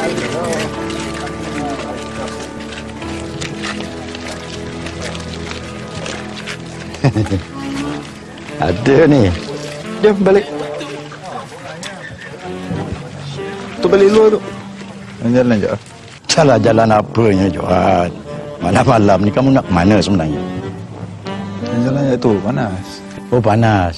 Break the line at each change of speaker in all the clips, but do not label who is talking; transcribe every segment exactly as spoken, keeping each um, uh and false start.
Ada ni. Jom balik.
Tu balik luar tu. Jalan je.
Jalan-jalan apanya, Johan? Malam-malam ni kamu nak mana sebenarnya?
Jalan je tu, panas.
Oh, panas.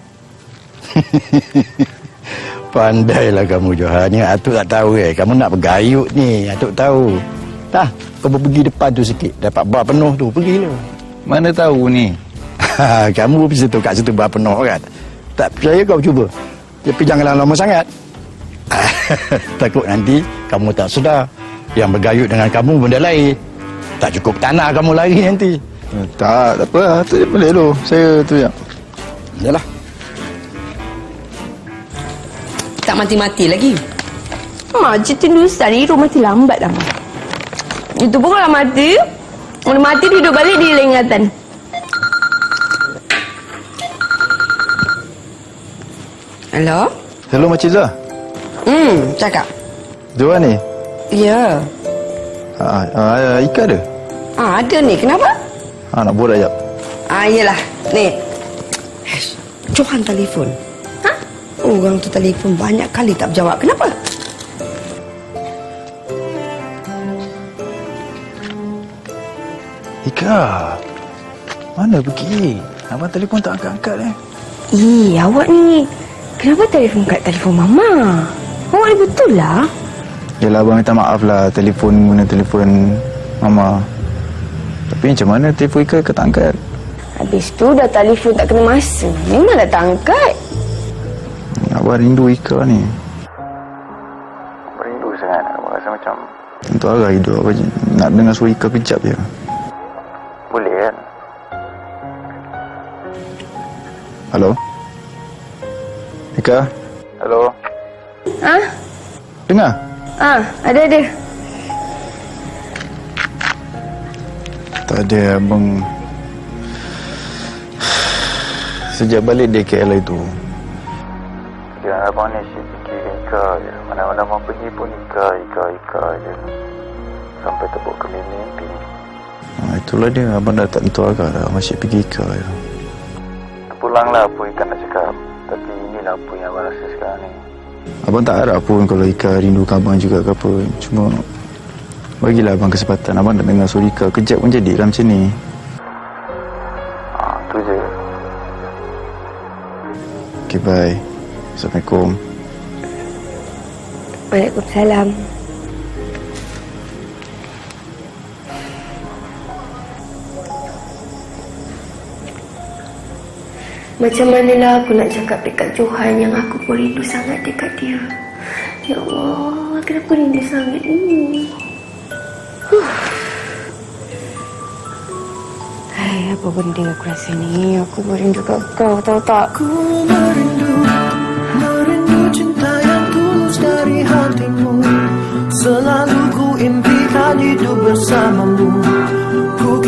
Pandailah kamu, Johan. Ni Atuk tak tahu eh. Kamu nak bergayut ni. Atuk tahu. Dah, kau pergi depan tu sikit. Dapat bar penuh tu. Pergilah.
Mana tahu ni?
Kamu pergi situ, kat situ bar penuh kan? Tak percaya kau cuba. Tapi jangan lama-lama sangat. Takut nanti kamu tak sedar. Yang bergayut dengan kamu benda lain. Tak cukup tanah kamu lari nanti.
Eh, tak, tak apa. Tu je boleh tu. Saya tu je.
Yalah.
Tak mati-mati lagi.
Mak, cerita Hindustan ni rumah mati lambat dah, Mak. Itu pun kalau mati, kalau mati dia duduk balik, dia hilang ingatan.
Hello?
Hello, Makcik Zah.
Hmm, cakap.
Johan ni?
Ya.
Ha, ha, Ika ada?
Ah, ada ni. Kenapa?
Ha, nak borak jap.
Ah, iyalah. Ni. Hesh, Johan telefon. Ha? Orang tu telefon banyak kali tak berjawab. Kenapa?
Ika, mana pergi? Abang telefon tak angkat-angkat eh.
Ih, awak ni kenapa telefon kat telefon Mama? Awak ni betul lah.
Yelah, abang minta maaf lah. Telefon guna telefon Mama. Tapi macam mana telefon Ika ke tak angkat?
Habis tu dah telefon tak kena masa. Memang dah tak angkat.
Abang rindu Ika ni. Abang rindu sangat. Abang rasa macam untuk arah hidup. Abang nak dengar suara Ika kejap je. Boleh kan? Halo? Ika? Halo?
Ah?
Dengar?
Ah, ada ada.
Tak ada, abang. Sejak balik dari K L itu, ya, abang ni asyik fikir Ika je. Mana-mana abang pergi pun Ika, Ika, Ika je. Sampai terbawa ke mimpi. Ha, itulah dia, abang dah tak tentu arah dah. Abang asyik pergi Ika je. Pulanglah apa Ika nak cakap. Tapi inilah apa yang abang rasa sekarang ni. Abang tak harap pun kalau Ika rindukan abang juga ke apa. Cuma bagilah abang kesempatan. Abang nak dengar suara Ika kejap pun jadilah macam ni. Ha, tu je. Okay, bye. Assalamualaikum.
Waalaikumsalam. Macam manalah aku nak cakap dekat Johan yang aku pun rindu sangat dekat dia. Ya Allah, kenapa rindu sangat ni? Huh. Hai, apa benda aku rasa ni? Aku merindu kat kau, tahu tak?
Ku merindu, merindu cinta yang tulus dari hatimu. Selalu ku impikan hidup bersamamu.